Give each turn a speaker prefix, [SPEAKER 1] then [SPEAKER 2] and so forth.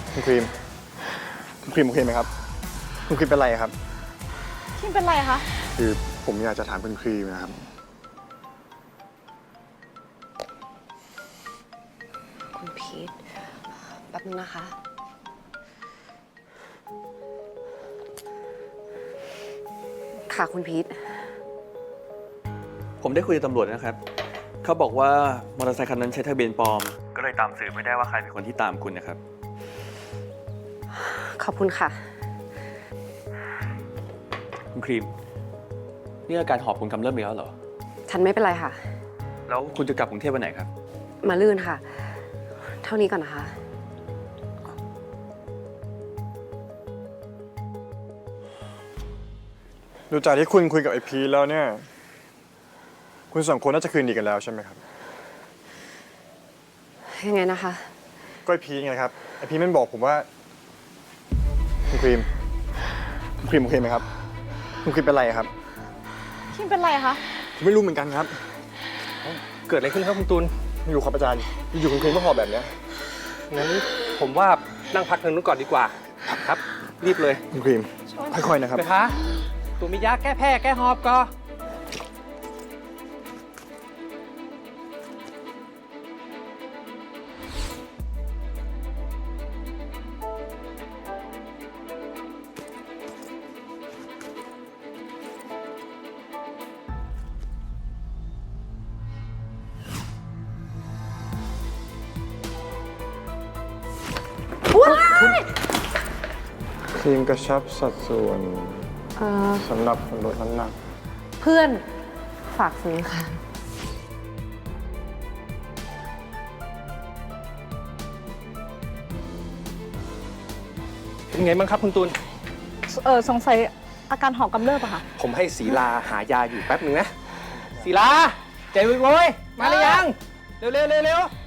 [SPEAKER 1] คุณครีมโอเคไหมครับคุณครีมเป็นไรครับ
[SPEAKER 2] ครีมเป็นไรคะ
[SPEAKER 1] คือผมอยากจะถามคุณครีมนะครับ
[SPEAKER 3] คุณพีทแป๊บนึงนะคะ ค่ะคุณพีท
[SPEAKER 4] ผมได้คุยกับตำรวจนะครับ เขาบอกว่ามอเตอร์ไซค์คันนั้นใช้ทะเบียนปลอม ก็เลยตามสืบไม่ได้ว่าใครเป็นคนที่ตามคุณนะครับ
[SPEAKER 3] ขอบคุณค่ะ
[SPEAKER 4] คุณครีม นี่อาการหอบคุณกำเริบอีกแล้วเหรอ
[SPEAKER 3] ฉันไม่เป็นไรค่ะ
[SPEAKER 4] แล้วคุณจะกลับกรุงเทพวันไหนครับ
[SPEAKER 3] มาลื่นค่ะ เท่านี้ก่อนนะคะ
[SPEAKER 1] ดูจากที่คุณคุยกับไอพีแล้วเนี่ยคุณสองคนน่าจะคืนดีกันแล้วใช่ไหมครับ
[SPEAKER 3] ยังไงนะคะ
[SPEAKER 1] ก็ไอพีไงครับไอพีมันบอกผมว่าคุณครีมโอเคไหมครับคุณครีมเป็นไรครับ
[SPEAKER 2] ครีมเป็นไรคะ
[SPEAKER 1] ผมไม่รู้เหมือนกันครับเกิดอะไรขึ้นครับคุณตูนไม่รู้ครับอาจารย์อยู่คุณครีมก็หอบแบบเนี้ย
[SPEAKER 5] งั้นผมว่านั่งพักทางนู้นก่อนดีกว่าครับ รีบเลย
[SPEAKER 1] คุณครีมค่อยๆนะครับ
[SPEAKER 5] ไปคะตัวมียาแก้แพ้แก้หอบก็
[SPEAKER 1] ครีมกระชับสัดส่วนสำหรับคนลดน้ำหนัก
[SPEAKER 3] เพื่อนฝากซื้อค่ะ
[SPEAKER 5] เป็นไงบ้างครับคุณตูน
[SPEAKER 2] สงสัยอาการหอบกำเริบอะค่ะ
[SPEAKER 5] ผมให้ศรีลาหายาอยู่แป๊บหนึ่งนะศรีลาใจวุ้ยๆมาหรือยัง เร็วๆ